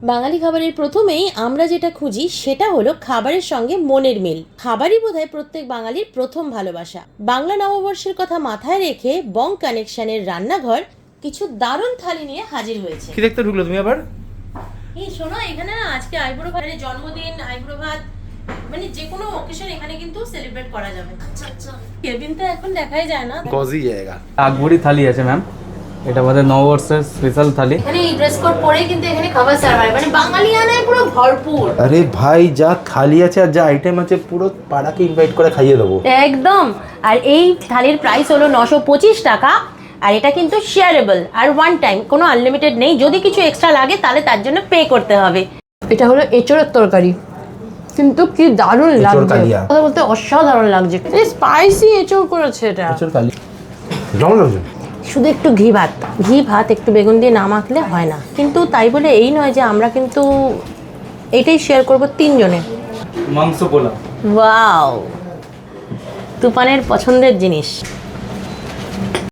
বাঙালি খাবারের প্রথমেই আমরা যেটা খুঁজি সেটা হলো খাবারের সঙ্গে মনের মিল। খাবারই বোধহয় প্রত্যেক বাঙালির প্রথম ভালোবাসা। বাংলা নববর্ষের কথা মাথায় রেখে বং কানেকশনের রান্নাঘর কিছু দারুণ থালি নিয়ে হাজির হয়েছে। কি দেখতে ঢুকলো তুমি আবার? এই শোনো, এখানে না আজকে আইবুড়ো ভাতের জন্মদিন, আইবুড়ো ভাত মানে যে কোনো অকেশন এখানে কিন্তু সেলিব্রেট করা যাবে। আচ্ছা আচ্ছা, কেবিন তো এখন দেখাই যায় না। গজি জায়গা। আকবরি থালি আছে ম্যাম, এটা আমাদের নববর্ষের স্পেশাল থালি। এখানে এই ড্রেস কোড পরেই কিন্তু এখানে খাবার সার্ভ হয়, মানে বাঙালিয়ানায় পুরো ভরপুর। আরে ভাই, যা থালি আছে আর যা আইটেম আছে পুরো পাড়াকে ইনভাইট করে খাইয়ে দেবো একদম। আর এই থালির প্রাইস হলো 925 টাকা। আর এটা কিন্তু শেয়ারেবল আর ওয়ান টাইম, কোনো আনলিমিটেড নেই। যদি কিছু এক্সট্রা লাগে তাহলে তার জন্য পে করতে হবে। এটা হলো এঁচোড়ের তরকারি, কিন্তু কি দারুণ লাগছে, কথা বলতে অসাধারণ লাগছে। এই স্পাইসি এঁচোড় করেছে এটা। শুধু একটু ঘি ভাত একটু বেগুন দিয়ে না মাখলে হয় না। কিন্তু তাই বলে এই নয় যে আমরা কিন্তু এটাই শেয়ার করব তিনজনে। মাংস পোলাও, ওয়াও, তুফানের পছন্দের জিনিস।